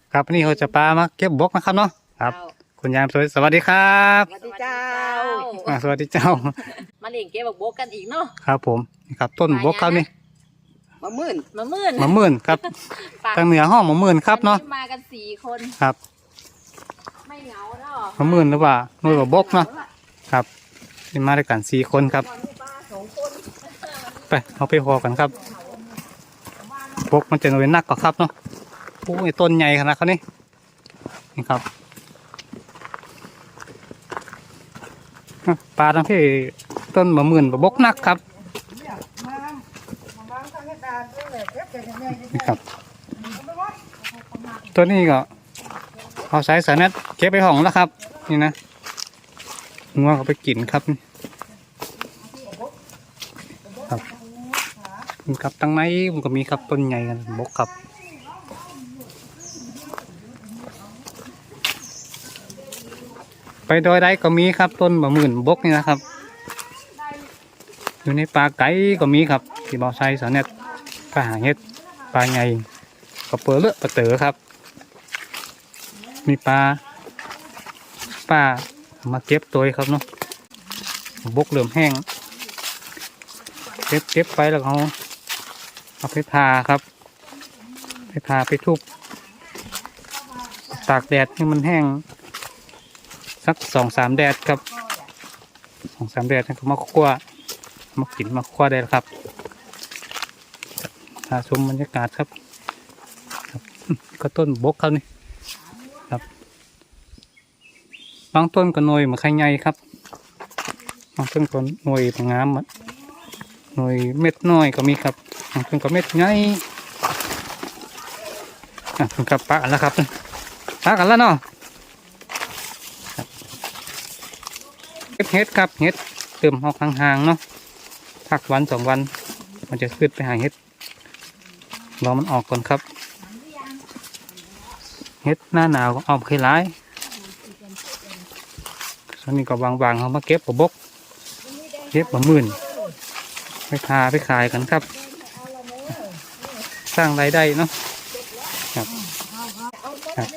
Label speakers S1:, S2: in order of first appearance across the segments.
S1: ครับวันนี้เราจะปลามาเก็บบกนะครับเนาะครับคุณยายสวยสวัสดีครับ
S2: สวัสดีเจ้า
S1: สวัสดีเจ้า
S3: มาเลี้ยงเก็บบักบกกันอีกเนาะ
S1: ครับผมนี่ครับต้นบกครับนี่
S2: มะมื่น
S3: มามื่น
S1: มะมื่นครับ ทางเหนือห้องมะมื่นครับเนาะ
S3: วันนี้มากัน4 คน
S1: ครับ
S3: ไม่เหงาเนาะ
S1: มะมื่นหรือว่าหน่วยบกเนาะครับนี่มาด้วยกัน4 คนครับไปเอาไปพอกันครับบกมันจะหน่วยนักกว่าครับเนาะโอ้ยต้นใหญ่ขนาดเขานี่นี่ครับปลาทั้งที่ต้นมะมื่นบกนักครับนี่ครับตัวนี้ก็เอาสายสายเน็ตเก็บไปห้องแล้วครับนี่นะงัวเขาไปกินครับครับนี่ครับตั้งไหนมันก็มีครับต้นใหญ่กันบกครับไปโดยใดก็มีครับต้นมะมื่นบกนี่นะครับอยู่ในป่าไก่ก็มีครับที่บ่อไซสายเน็ตปลาหางเห็ดปลาใหญ่ก็เปิดเลือปลาเต๋อครับมีปลามาเก็บตัวครับเนาะบกเหลื่อมแห้งเก็บไปแล้วเอาไปทาครับไปทาไปทุบตากแดดให้มันแห้งสัก2-3 แดดครับ2-3 แดดก็มาคั่วมากินมาคั่วได้แล้วครับหาชมบรรยากาศครับก็ต้นบกครับนี่ครับบางต้นก็หน่วยเหมือนไข่ใหญ่ครับบางต้นก็หน่วยงามหน่วยเม็ดน้อยก็มีครับบางต้นก็เม็ดใหญ่ถึงกับปะแล้วครับปะกันแล้วเนาะเฮ็ดครับเฮ็ดเติมออกห่างๆเนาะพักวัน2 วันมันจะขึ้นไปหาเฮ็ดรอมันออกก่อนครับเฮ็ดหน้าหนาวก็ออกเคยร้ายส่วนนี้ก็บางๆเขามาเก็บบกเก็บมะมื่นไปทาไปขายกันครับสร้างรายได้เนาะครับครับ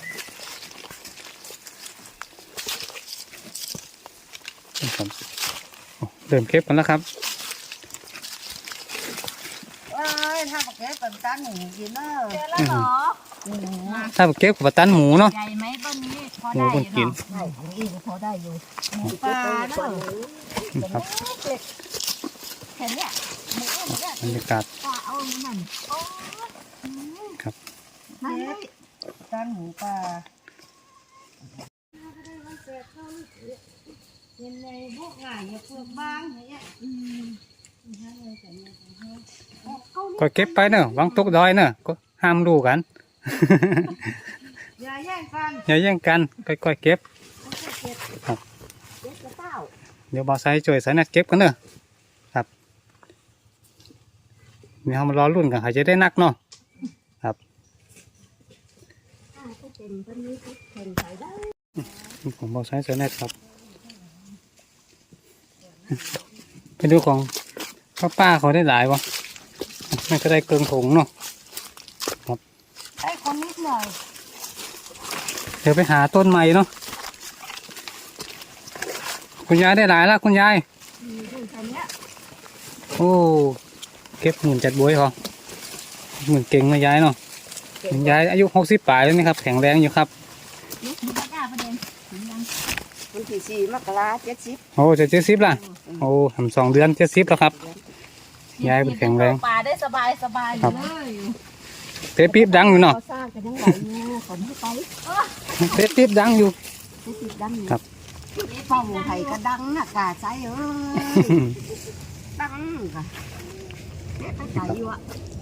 S1: เริ่มเก็บกันแล้วครับ
S2: ว้ายถ้าบอกแกเป็นตาหนูกินเนอะ
S3: เจอแล้วเหรอ
S1: ถ้าเก็บกับตันหมูเนาะ
S3: ใหญ่ไหมต้นนี้พอ
S1: หมู
S3: ได้
S1: คนกิน
S3: เนาะ
S2: ได้ของอีกพอได้อยู่
S3: ปลาเนาะ
S1: ครับ
S3: เห็นเนี่ยหมูเนี่ย
S1: บรรยากาศ
S3: ปลาเอานั่นโอ้
S1: ครับ
S3: นั่นเลย
S2: ตาหนูปลา
S3: ยังไงพวกง่ายอย่าเปลือกบางเนี่ย
S1: ก็เก็บไปเนอะวางตกดอยเนอะก็ห้ามดูกัน
S2: อย่าแย่งกัน
S1: อย่าแย่งกันค่อยๆเก็บ
S2: เด็กกระเต้า
S1: เดี๋ยวบอสไซช่วยสายนัดเก็บกันเนอะครับนี่เรามารอรุ่นกันใครจะได้นักเนาะครับของบอสไซสายนัดครับไปดูของป้าเขาได้หลายวะไม่ก็ได้เกินถุงเนาะ
S2: ไอ้คนนิดหน่อย
S1: เดี๋ยวไปหาต้นใหม่เนาะคุณยายได้หลายแล้วคุณยายโอ้เก็บหมื่นจัดบวยเหรอหมื่นเก่งนะยายเนาะคุณยายอายุ60 ปลายแล้วนี่ครับแข็งแรงอยู่ครับ
S3: นี่คือปลาประเด็นยัง
S2: วันที่4 มกรา70
S1: โอ้จะ70ล่ะโอ้ทำ2 เดือน70แล้วครับยายเป็นแข็งแรง
S3: ปลาได้สบายอยู่เลย
S1: เตะปี๊บดังอยู่เนาะ
S2: เขาสร้างกันยังไหวอยู่ขนให้ไป
S1: เตะปี๊บดังอยู่
S2: ให้ติดดังอยู่
S1: ครับ
S2: พ่อหมูไผ่ก็ดังน่ะกาใจเอ้ยดังค่ะเด็กก็ใจอยู่อ่ะ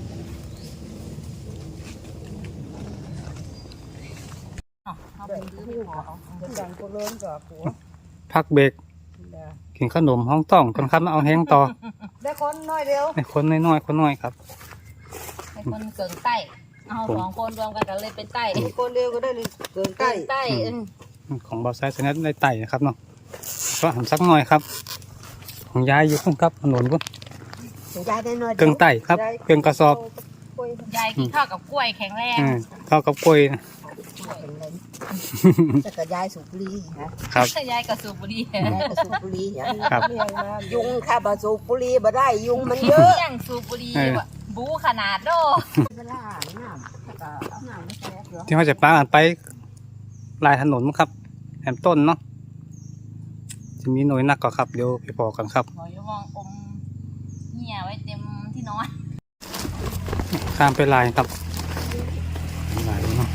S3: เอาไปซื้อไปขอเอา
S2: จะดังก็เริ่มกับหัว
S1: พักเบรกกินขนมห้องต้องคนครับมาเอาแห้งต่อ
S2: ได้คนน้อยเดียว
S1: ไอ้คนน้อยๆคนน้อยครับ
S3: ให้คนเกิงใต้เอา2 คนรวมกันก็เลยเป็นใต้
S2: คนเดียวก็ได้เลยเกินใกล้
S3: ใต้
S1: ของบอสไซส์นัดได้ไต่นะครับเนาะก็หันสักหน่อยครับ ของยายอยู่พุ่นครับถนนพุ่น
S2: ยายได้น้อย
S1: เกลืองไต่ครับเกลืองกระสอบ
S3: ยายกินข้าวกับกล้วยแข็งแรง
S1: ข้าวกับกล้วย
S2: เป็นไรจะกระยายสุบุรีฮะ
S1: ครับ
S3: ยายกับสูบบุหรี่
S2: ยายกระสุบุรีฮะ
S1: ครับ
S2: ยุงค่ะบะสุบุรีบ่ได้ยุงมันเยอะ
S3: ยังสูบบุหรี่ว่ะบูขนาดโด
S2: เวลาน้ำก็เอาน้ำมาใส่เหรอ
S1: ที่เขาจะปากันไปลายถนนมั้งครับแอมต้นเนาะจะมีหน่วยนักก็ครับเดี๋ยวไปพอกันครับ
S3: หอยมองอมเหี่ยไว้เต็มที่นอน
S1: ข้ามไปลายครับลายเนาะ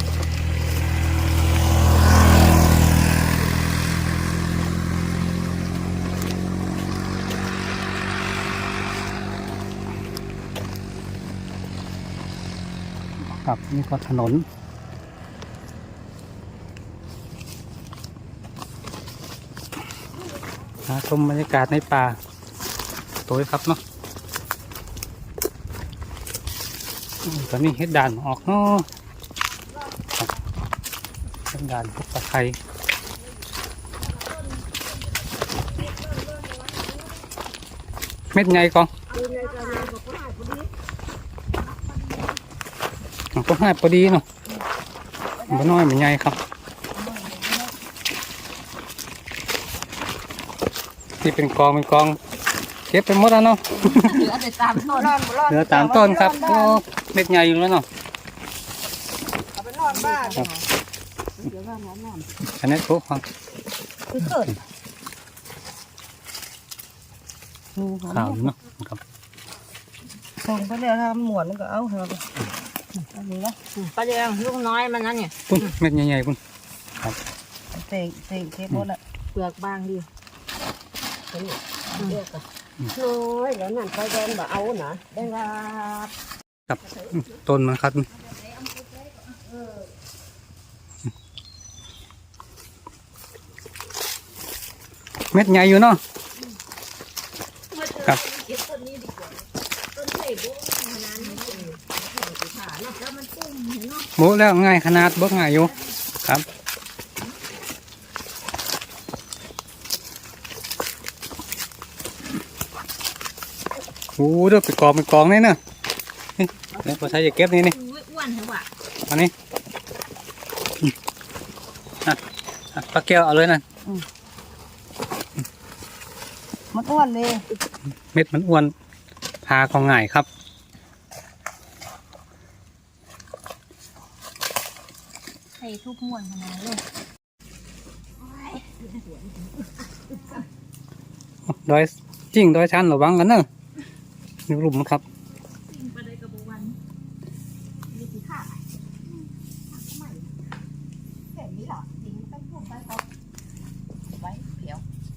S1: ครับนี่ก็ถนนชมบรรยากาศในป่าตัวครับเนาะตอนนี้เฮ็ดด่านออกเนาะครับเฮ็ดด่านพวกปลาไทยเม็ดไงกองมันก็ให้พอดีเนาะมันน้อยมันใหญ่ครับที่เป็นกองเก็บไปหมดแล้วเนาะ
S3: เหลือแต่ตามต้น
S1: เหลือตามต้นครับโอ้เม็ดใหญ่อยู่แล้วเนาะ
S2: เอาไปนอนบ้านเดี๋ยวว่าน้ำ
S1: อันนี้ทุกครับ
S2: คือเกิด
S1: ข่าวอยู่เนาะครับ
S2: ส่งไปแล้วทำหมวนมันก็เอาเถอะอันนี้นะ
S3: ปลาแดงลูกน้อยมันนั่นเนี่ย
S1: ปุ้นเม็ดใหญ่ๆปุ้น
S2: เตะเทหมดละ
S3: เปลือกบางดี
S2: เรียกอะน้อยแล้วนั่นไปเดินบ่เอานะได้ว่า
S1: ครับต้นมันครับเม็ดใหญ่อยู่เนาะครับโบแล้วง่ายขนาดบกง่ายอยู่ครับโอ้เด้อไปกองนี่เนาะนี่แล้วพอใช้จะเก็บนี่
S3: อ้วนเหรอวะ
S1: อันนี้ปลาแก้วเอาเลยนะ
S2: มันอ้วนเลย
S1: เม็ดมันอ้วนพาของง่ายครับ
S3: ใส่ทุกม้วนขนาดเลย
S1: ดอยจริงดอยชันระวังกันเนอะนี่หลุมครับ
S3: ปลาได้กระบอกวัน
S2: มีสีขาเห็นนี้หรอจริงต้องพูดไปเขา
S3: ไว้เผียว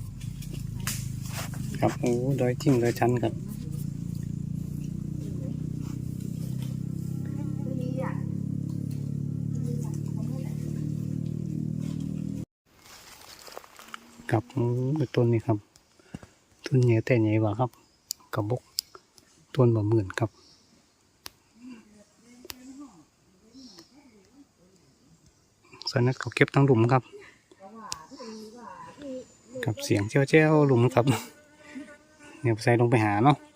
S1: ครับโอ้ดอยจริงดอยชันครับ
S2: มีอ่ะ
S1: ครับโอ้ต้นนี้ครับต้นใหญ่แต่ใหญ่กว่าครับกระบอกต้นบ่หมื่นครับส่วนนั้นเขาเก็บทั้งหลุมครับกับเสียงเจ้าหลุมครับเนี่ยใส่ลงไปหาเนาะ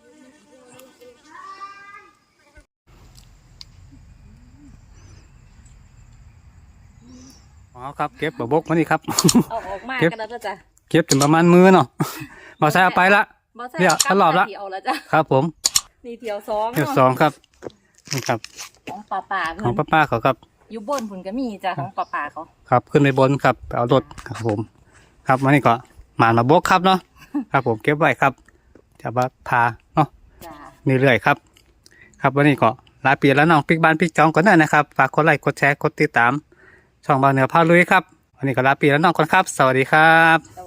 S1: อ๋อครับเก็บบกมานี่ครับ
S3: เอาออกมา
S1: เก็บ
S3: กันแล้วจ้ะ
S1: เก็บถึงประมาณมือเนาะมาใส่เอาไปละ
S3: บ่ใส่
S1: เดี๋ยวตลอดละ
S3: เที่ยวแล้วจ้ะ
S1: ครับผม
S3: นี่เที่ยวสอง
S1: เที่ยวสองครับนี่ครับ
S3: ของป่า
S1: ของป้าเขาครับ
S3: อยู่บนผุนก็มีจ้ะของป่าเขา
S1: ครับขึ้นไปบนครับไปเอารถครับผม ครับวันนี้ก็หมาบกครับเนาะ ครับผมเก็บไว้ครับจะมาพาเนาะ
S3: จ้ะ
S1: เรื่อยๆครับ ครับวันนี้ก็ลาเปลี่ยนแล้วน้องปิ๊กบ้านปิ๊กจองก่อนได้นะครับฝากกดไลค์กดแชร์กดติดตามช่องบางเหนือพาลุยครับวันนี้ก็ลาเปลี่ยนแล้วน้องก่อนครับ สวัสดีครับ